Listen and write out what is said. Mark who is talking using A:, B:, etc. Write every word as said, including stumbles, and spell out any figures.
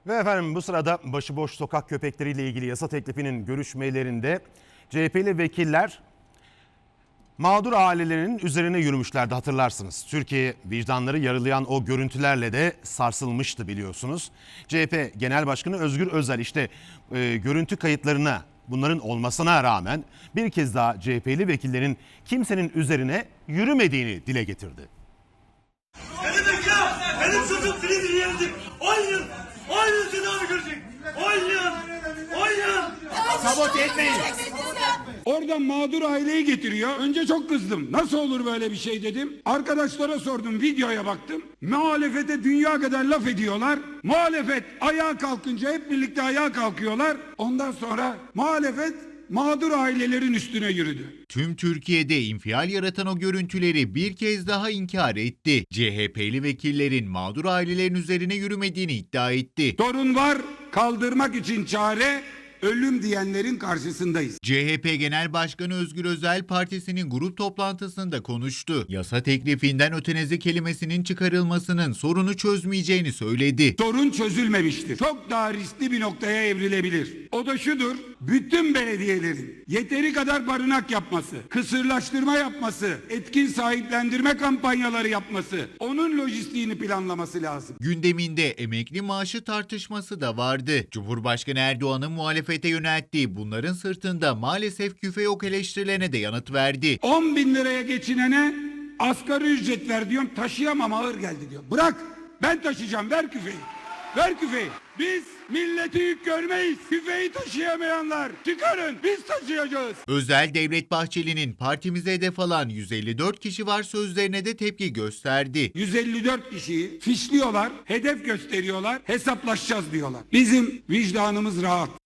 A: Ve efendim bu sırada başıboş sokak köpekleriyle ilgili yasa teklifinin görüşmelerinde C H P'li vekiller mağdur ailelerin üzerine yürümüşlerdi, hatırlarsınız. Türkiye vicdanları yarılayan o görüntülerle de sarsılmıştı biliyorsunuz. C H P Genel Başkanı Özgür Özel işte e, görüntü kayıtlarına, bunların olmasına rağmen bir kez daha C H P'li vekillerin kimsenin üzerine yürümediğini dile getirdi.
B: Ne demek ya? Benim çocuğum film yenildi. on yıl, on yıl tedavi görecek. on yıl, on yıl.
C: Sabote etmeyin.
D: Oradan mağdur aileyi getiriyor. Önce çok kızdım. Nasıl olur böyle bir şey dedim. Arkadaşlara sordum, videoya baktım. Muhalefete dünya kadar laf ediyorlar. Muhalefet ayağa kalkınca hep birlikte ayağa kalkıyorlar. Ondan sonra muhalefet mağdur ailelerin üstüne yürüdü.
C: Tüm Türkiye'de infial yaratan o görüntüleri bir kez daha inkar etti. C H P'li vekillerin mağdur ailelerin üzerine yürümediğini iddia etti.
D: Sorun var, kaldırmak için çare, ölüm diyenlerin karşısındayız.
C: C H P Genel Başkanı Özgür Özel partisinin grup toplantısında konuştu. Yasa teklifinden ötenazi kelimesinin çıkarılmasının sorunu çözmeyeceğini söyledi.
D: Sorun çözülmemiştir. Çok daha riskli bir noktaya evrilebilir. O da şudur: bütün belediyelerin yeteri kadar barınak yapması, kısırlaştırma yapması, etkin sahiplendirme kampanyaları yapması, onun lojistiğini planlaması lazım.
C: Gündeminde emekli maaşı tartışması da vardı. Cumhurbaşkanı Erdoğan'ın muhalefete yönelttiği bunların sırtında maalesef küfe yok eleştirilerine de yanıt verdi.
D: on bin liraya geçinene asgari ücret ver diyorum, taşıyamam, ağır geldi diyor. Bırak, ben taşıyacağım, ver küfeyi. Ver küfeyi. Biz milleti yük görmeyiz. Küfeyi taşıyamayanlar çıkarın, biz taşıyacağız.
C: Özel Devlet Bahçeli'nin partimize hedef alan yüz elli dört kişi var sözlerine de tepki gösterdi.
D: yüz elli dört kişiyi fişliyorlar, hedef gösteriyorlar, hesaplaşacağız diyorlar. Bizim vicdanımız rahat.